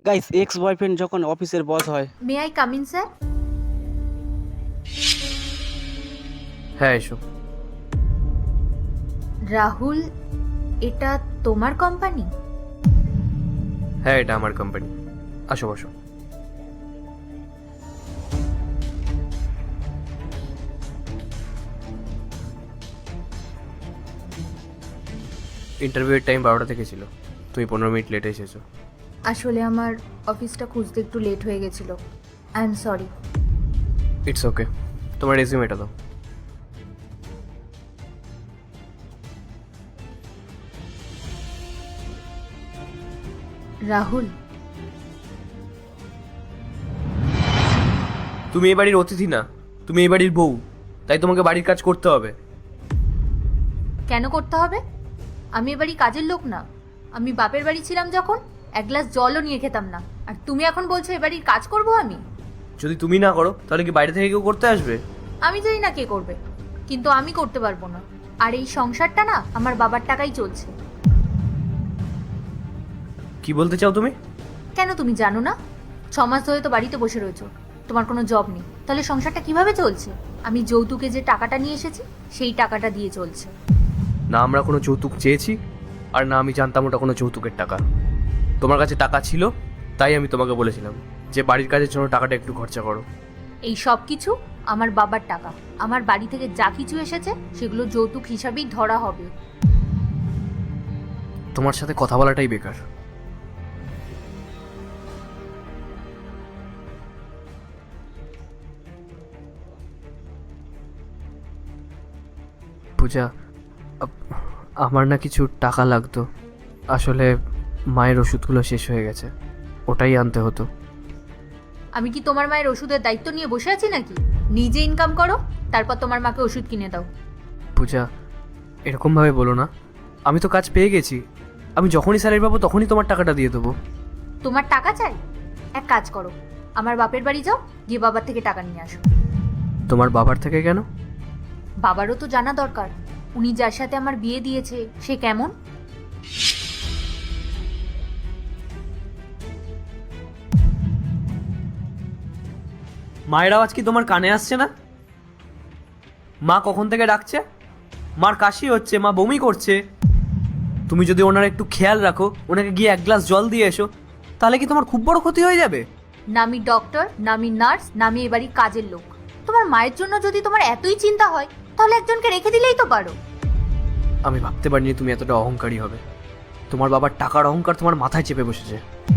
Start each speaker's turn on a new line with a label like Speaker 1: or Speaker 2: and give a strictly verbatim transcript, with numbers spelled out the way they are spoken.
Speaker 1: Guys, ex boyfriend যখন অফিসের boss হয়।
Speaker 2: May I come in sir?
Speaker 3: হ্যাঁ এসো।
Speaker 2: রাহুল, এটা তোমার কোম্পানি?
Speaker 3: হ্যাঁ এটা আমার কোম্পানি। আসো বসো। ইন্টারভিউয়ের টাইম বারোটা থেকে ছিল, তুমি পনেরো মিনিট লেটে এসেছো।
Speaker 2: আসলে আমার অফিসটা খুঁজতে একটু লেট হয়ে গেছিল। I am sorry.
Speaker 3: It's okay, তোমার রেজিউমেটা দাও।
Speaker 2: রাহুল,
Speaker 3: তুমি এই বাড়ির অতিথি না, তুমি এই বাড়ির বউ, তাই তোমাকে বাড়ির কাজ করতে হবে।
Speaker 2: কেন করতে হবে? আমি এবারই কাজের লোক না। আমি বাপের বাড়ি ছিলাম যখন এক গ্লাস জলও নিয়ে খেতাম না, আর তুমি এখন বলছো এবাড়ির কাজ করব আমি?
Speaker 3: যদি তুমি না করো তাহলে কি বাইরে থেকে কেউ করতে আসবে?
Speaker 2: আমি জানি না কে করবে, কিন্তু আমি করতে পারবো না। আর এই সংসারটা না আমার বাবার টাকাই চলছে।
Speaker 3: কি বলতে চাও তুমি?
Speaker 2: কেন তুমি জানো না? ছ মাস ধরে তো বাড়িতে বসে রয়েছো, তোমার কোনো জব নেই, তাহলে সংসারটা কিভাবে চলছে? আমি যৌতুকে যে টাকাটা নিয়ে এসেছি সেই টাকাটা দিয়ে চলছে।
Speaker 3: না আমরা কোনো যৌতুক চেয়েছি, আর না আমি জানতাম ওটা কোনো যৌতুকের টাকা। তোমার কাছে টাকা ছিল তাই আমি তোমাকে বলেছিলাম যে বাড়ির কাজের জন্য টাকাটা একটু খরচা করো।
Speaker 2: এই সব কিছু আমার বাবার টাকা। আমার বাড়ি থেকে যা কিছু এসেছে সেগুলো যৌতুক হিসাবেই ধরা হবে।
Speaker 3: তোমার সাথে কথা বলাটাই বেকার। পূজা, আপ- আমার না কিছু টাকা লাগতো। আসলে মায়ের ওষুধগুলো শেষ হয়ে গেছে, ওটাই আনতে হতো।
Speaker 2: আমি কি তোমার মায়ের ওষুধের দায়িত্ব নিয়ে বসে আছি নাকি? নিজে ইনকাম করো, তারপর তোমার মাকে ওষুধ কিনে দাও।
Speaker 3: পূজা, এরকমভাবে বলো না। আমি তো কাজ পেয়ে গেছি, আমি যখনই স্যালারি পাবো তখনই তোমার টাকাটা দিয়ে দেবো।
Speaker 2: তোমার টাকা চাই? এক কাজ করো, আমার বাপের বাড়ি যাও, গিয়ে বাবার থেকে টাকা নিয়ে আসো।
Speaker 3: তোমার বাবার থেকে কেন?
Speaker 2: বাবারও তো জানা দরকার উনি যার সাথে আমার বিয়ে দিয়েছে সে কেমন।
Speaker 3: মায়ের আওয়াজ কি তোমার কানে আসছে না? মা কখন থেকে ডাকছে, মার কাশি হচ্ছে, মা বমি করছে। তুমি যদি ওনার একটু খেয়াল রাখো, ওনাকে গিয়ে এক গ্লাস জল দিয়ে এসো, তাহলে কি তোমার খুব বড় ক্ষতি হয়ে যাবে?
Speaker 2: না আমি ডক্টর, না আমি নার্স, না আমি এবারই কাজের লোক। তোমার মায়ের জন্য যদি তোমার এতই চিন্তা হয় তাহলে একজনকে রেখে দিলেই তো পারো।
Speaker 3: আমি ভাবতে পারিনি তুমি এতটা অহংকারী হবে। তোমার বাবার টাকার অহংকার তোমার মাথায় চেপে বসেছে।